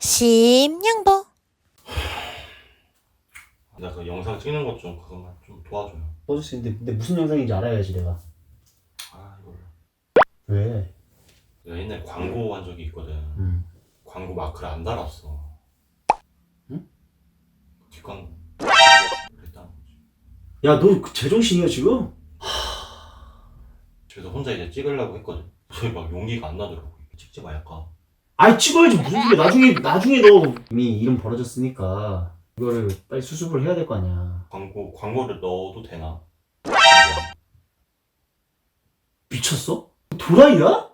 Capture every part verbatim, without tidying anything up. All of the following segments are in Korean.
심양보. 나 그 영상 찍는 것 좀 그것만 좀 도와줘요. 도와줄 수 있는데 근데 무슨 영상인지 알아야지 내가. 아 이걸 왜? 내가 옛날에 광고 한 적이 있거든. 음. 광고 마크를 안 달았어. 응? 뒷광고 그랬다는 거지. 야, 너 그 제정신이야 지금? 그래서 혼자 이제 찍으려고 했거든. 저희 막 용기가 안 나더라고. 찍지 말까. 아이, 찍어야지. 무슨 소리야. 나중에 나중에 너 이미 이름 벌어졌으니까 이거를 빨리 수습을 해야 될 거 아니야. 광고 광고를 넣어도 되나? 미쳤어? 도라이야?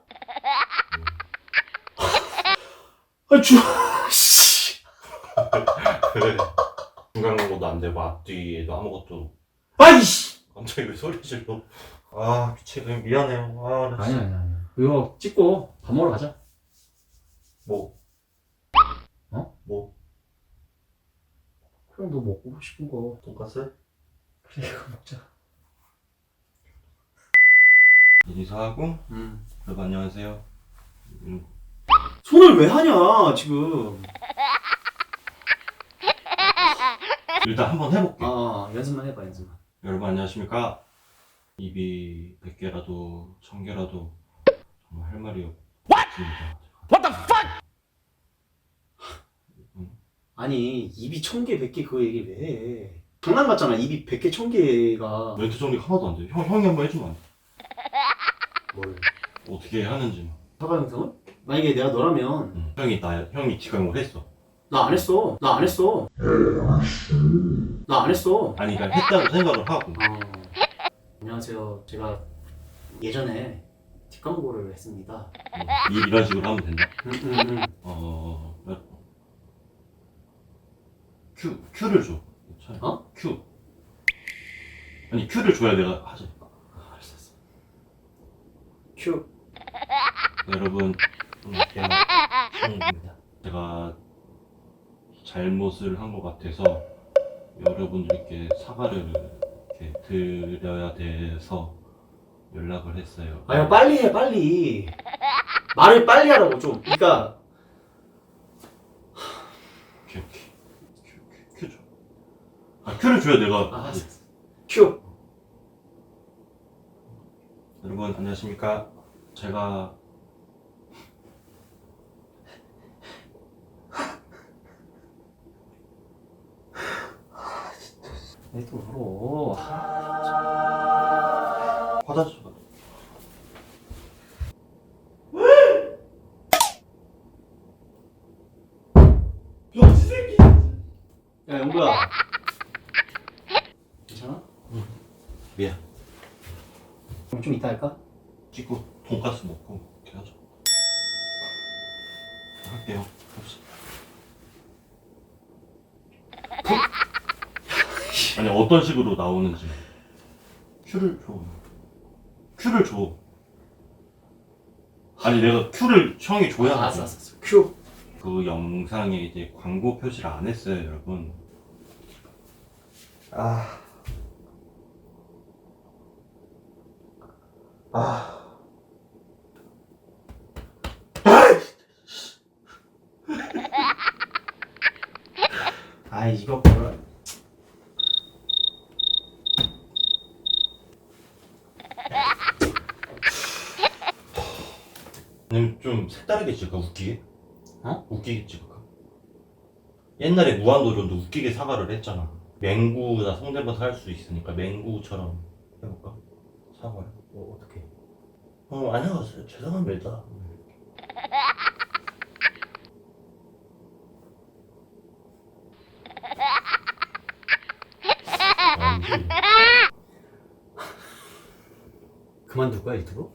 아, 주... 씨. 그래. 중간 광고도 안 되고 앞뒤에도 아무것도. 아이씨. 갑자기 왜 소리 질러? 아 미치겠네. 미안해요. 아, 나 아니야 진짜. 아니야 아니야. 이거 찍고 밥 먹으러 가자. 뭐? 어? 뭐? 그럼 너 먹고 싶은 거. 돈까스? 그래, 이거 먹자. 인사하고 음. 여러분 안녕하세요. 음, 손을 왜 하냐 지금. 일단 한번 해볼게. 아, 연습만 해봐 연습만. 여러분 안녕하십니까? 입이 백 개라도 천 개라도 정말 할 말이 없습니다. What the fuck? 아니, 입이 천 개, 백 개 그거 얘기 왜 해? 장난 같잖아. 입이 백 개, 천 개가. 멘트 정리 하나도 안 돼. 형, 형이 한번 해주면 안 돼? 뭘? 어떻게 하는지. 사과 영상을? 만약에 내가 너라면. 응. 형이 나 형이 지각을 했어. 나 안 했어. 나 안 했어. 나 안 했어. 아니 그러니까 했다고 생각을 하고. 어. 안녕하세요. 제가 예전에 뒷광고를 했습니다. 응. 이- 이런 식으로 하면 된다. 음, 음, 음. 어 큐 큐를 줘. 차라리. 어? 큐. 아니 큐를 줘야 내가 하지. 아, 알았어, 알았어. 큐. 여러분 안녕하세요. 신입니다. 제가 잘못을 한 것 같아서 여러분들께 사과를 이렇게 드려야 돼서 연락을 했어요. 아, 야, 빨리 해, 빨리. 말을 빨리 하라고, 좀. 그니까. 오케이 오케이. 큐, 큐, 큐 줘. 아 큐를 줘야 내가. 아, 알았어. 큐. 여러분 안녕하십니까. 제가 왜 또 울어? 화장실 가. 병신 새끼. 야, 영구야. 괜찮아? 미안. 그럼 좀 이따 할까? 찍고 돈가스 먹고 이렇게 하자. 할게요. 갑시다. 아니 어떤 식으로 나오는지. 큐를 줘. 큐를 줘. 아니 내가 큐를 형이 줘야 아, 하지. 알았어, 알았어. 큐. 그 영상에 이제 광고 표시를 안 했어요, 여러분. 아. 아. 아, 이거 뭐라. 아니면 좀 색다르게 찍을까? 웃기게? 어? 웃기게 찍을까? 옛날에 무한도전도 웃기게 사과를 했잖아. 맹구나 성대모사 할 수 있으니까 맹구처럼 해볼까? 사과를. 뭐, 어떡해. 어, 안녕하세요. 죄송합니다. 아니지. 그만둘 거야, 유튜브?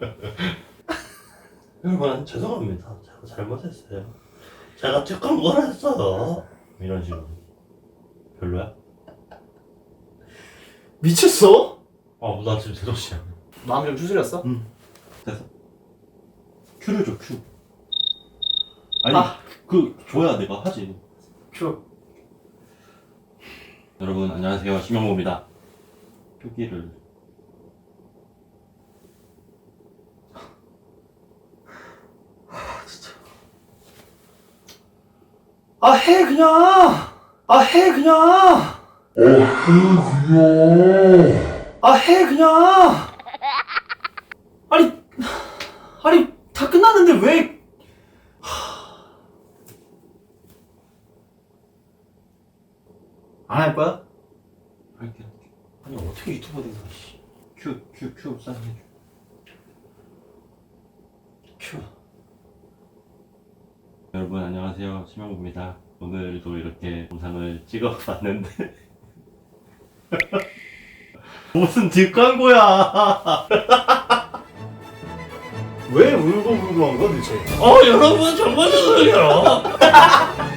여러분, 죄송합니다. 제가 잘못했어요. 제가 착한 걸 했어요. 이런 식으로. 별로야? 미쳤어? 아, 나 지금 제정신이야. 마음 좀 추스렸어? 응. 됐어. 큐를 줘, 큐. 아니, 아. 그, 줘야 내가 하지. 큐. 여러분, 안녕하세요. 심영모입니다. 표기를. 아, 해, 그냥! 아, 해, 그냥! 아, 해, 그냥! 아니, 아니, 다 끝났는데 왜. 안 할 거야? 할게, 할게. 아니, 어떻게 유튜버 된 거야, 씨. 큐, 큐, 큐, 사인해줘. 큐. 여러분, 안녕하세요. 심영구입니다. 오늘도 이렇게 영상을 찍어봤는데. 무슨 뒷광고야! 왜 울고 울고 한 거야, 대체? 어, 여러분, 정말 죄송해요.